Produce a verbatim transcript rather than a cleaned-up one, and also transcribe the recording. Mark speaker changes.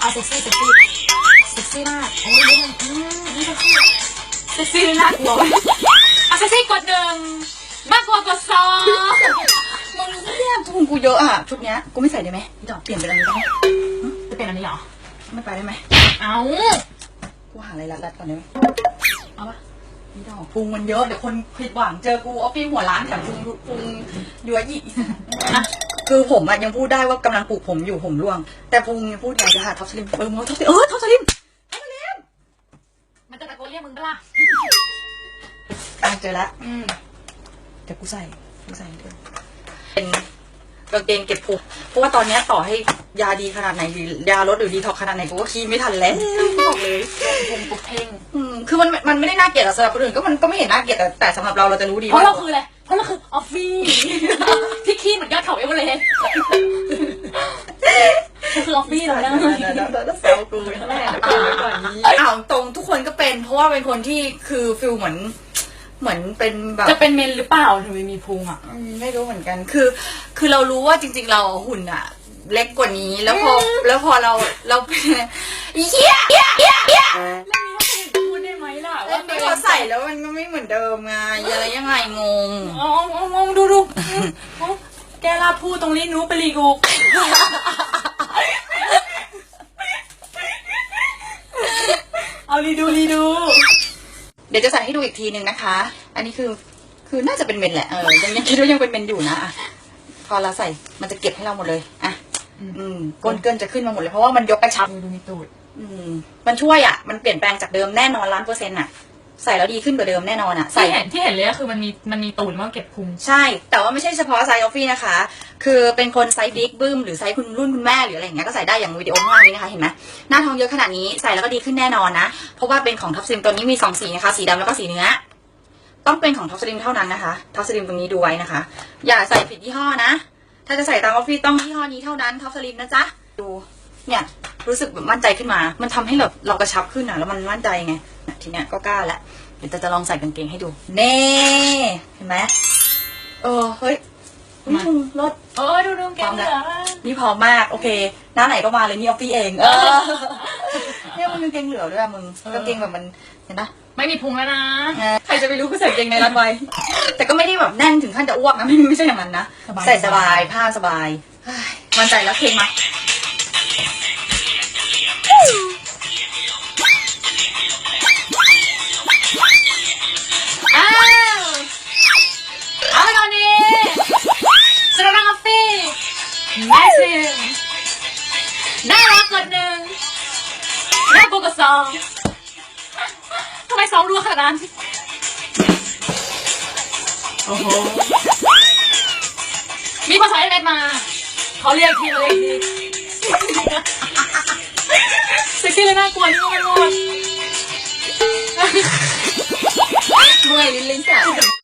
Speaker 1: เซ็กซี่เซ็กซี่เซ็กซี่มากอันนี้นี่นี่เซ็กซี่เซ็กซี่น่ากลัวอ่ะเซ็กซี่กดหนึ่งมากกว่ากดสอง
Speaker 2: มึงเนี่ยพุงกูเยอะอ่ะชุดเนี้ยกูไม่ใส่ได้ไหมดอกเปลี่ยนเป็นอะไรได้ไหม
Speaker 1: จะเป็นอันนี้เหรอ
Speaker 2: ไม่ไปได้ไหม
Speaker 1: เอา
Speaker 2: กูหาอะไรรัดๆก่อนได้ไหม
Speaker 1: เอาปะ
Speaker 2: นี่ดอกพุงมันเยอะเดี๋ยวคนผิดหวังเจอกูออฟฟี่หัวร้านแถมพุงพุงยั่วยี่อะคือผมอะยังพูดได้ว่ากำลังปลูกผมอยู่ผมร่วงแต่พุงยังพูดอยากจะหาท็อปสลิมเออมึงท็อปสลิมเออท็อปสลิมท็อปสลิม
Speaker 1: มันจะตะโกนเรียกมึงปะล่ะ
Speaker 2: เจอแล้วอืมเดี๋ยวกูใส่กูใส่เดี๋ยวเป็นกางเกงเก็บพุงเพราะว่าตอนนี้ต่อให้ยาดีขนาดไหนหรือยาลดหรือดีท็อกขนาดไหนกูก็คีไม่ทันแล้วบอกเลย
Speaker 1: พุงปุกเพ่ง
Speaker 2: อืมคือมันมันไม่ได้น่าเกลียดสำหรับคนอื่นก็มันก็ไม่เห็นน่าเกลียดแต่แต่สำหรับเราเราจะรู้ดี
Speaker 1: เพราะเราคืออะไรเพราะเราคือออฟฟี่ที่ขี้เหมือนยอดเขาเอเวอเรสต์คือออฟฟี่เลยนะ
Speaker 2: แซวกูแม่เดี๋ยวก่อนเดี๋ยวก่อนนี้อ้าวตรงทุกคนก็เป็นเพราะว่าเป็นคนที่คือฟิลเหมือนเหมือนเป็นแบบ
Speaker 1: จะเป็นเมนหรือเปล่าถึงไม่มีพุงอ่ะ
Speaker 2: ไม่รู้เหมือนกันคือคือเรารู้ว่าจริงๆเราหุ่นอ่ะเล็กกว่านี้แล้วพอแล้วพอเราเราเป็นเหี้ยเหี้ยเหี้ยเหี้ย
Speaker 1: แล้วนี้พูดได้ไหมล่ะ
Speaker 2: ว่าพอใส่แล้วมันก็ไม่เหมือนเดิมไงอะไรยังไงงง
Speaker 1: อ๋องงดูดูแกลาพูดตรงนี้นู้ไปรีกูเอารีดูรีดู
Speaker 2: เดี๋ยวจะใส่ให้ดูอีกทีหนึ่งนะคะอันนี้คือคือน่าจะเป็นเมนแหละเออยังยังคิดว่ายังเป็นเมนอยู่นะอ่ะพอเราใส่มันจะเก็บให้เราหมดเลยอ่ะอืมก้นเกินจะขึ้นมาหมดเลยเพราะว่ามันยกกระชับ
Speaker 1: ดูมีตูด
Speaker 2: อืมมันช่วยอ่ะมันเปลี่ยนแปลงจากเดิมแน่นอนล้านเปอร์เซ็นต์อ่ะใส่แล้วดีขึ้นกว่าเดิมแน่นอนอ่ะ
Speaker 1: ใส่เห็นที่เห็นเลยก็คือมันมีมันมีตูดมันเก็บพุง
Speaker 2: ใช่แต่ว่าไม่ใช่เฉพาะไซส์ออฟฟี่นะคะคือเป็นคนไซส์บิ๊กบึ้มหรือไซส์คุณรุ่นคุณแม่หรืออะไรอย่างเงี้ยก็ใส่ได้อย่างวิดีโอข้างล่างนี้นะคะเห็นไหมหน้าท้องเยอะขนาดนี้ใส่แล้วก็ดีขึ้นแน่นอนนะเพราะว่าเป็นของท็อปซิมตัวนี้มีสองสีนะคะสีดำแล้วก็สีเนื้อต้องเป็นของท็อปสลิมเท่านั้นนะคะท็อปสลิมตรงนี้ดูไว้นะคะอย่าใส่ผิดยี่ห้อนะถ้าจะใส่ตามออฟฟี่ต้องยี่ห้อนี้เท่านั้นท็อปสลิมนะจ๊ะดูเนี่ยรู้สึกแบบมั่นใจขึ้นมามันทำให้แบบเรากระชับขึ้นอ่ะแล้วมันมั่นใจไงทีเนี้ยก็กล้าแล้วเดี๋ยวจะลองใส่กางเกงให้ดูเน่เห็นไหมเออเฮ้ยนี่พุงรถ
Speaker 1: เออดูดูแกงเหลือ
Speaker 2: นี่พร้อมมากโอเคหน้าไหนก็มาเลยนี่ออฟฟี่เองเออเนี่ยมันกางเกงเหลือด้วยมึงกางเกงแบบมันเห็นปะ
Speaker 1: ไม่มีพุงแล้วนะ
Speaker 2: ใครจะไปรู้ก็ใส่กางเกงในรัดไว้แต่ก็ไม่ได้แบบแน่นถึงขั้นจะอ้วกนะไม่ไม่ใช่อย่างนั้นนะใส่สบายผ้าสบายมั่นใจแล้วเพลงมา
Speaker 1: อ้าวเอาตอนนี้สำหรับออฟฟี่แม่ซิมได้รับกดหนึ่งได้บวกกับสองทำไมสองรัวขนาดนั้นโอ้โหมีภาษาอังกฤษมาเขาเรียกทีมาเลยทีเซ็กซี่เลยน่ากลัวนี่มันหมด
Speaker 2: เมื่อยลิ้นลิ้นแสบ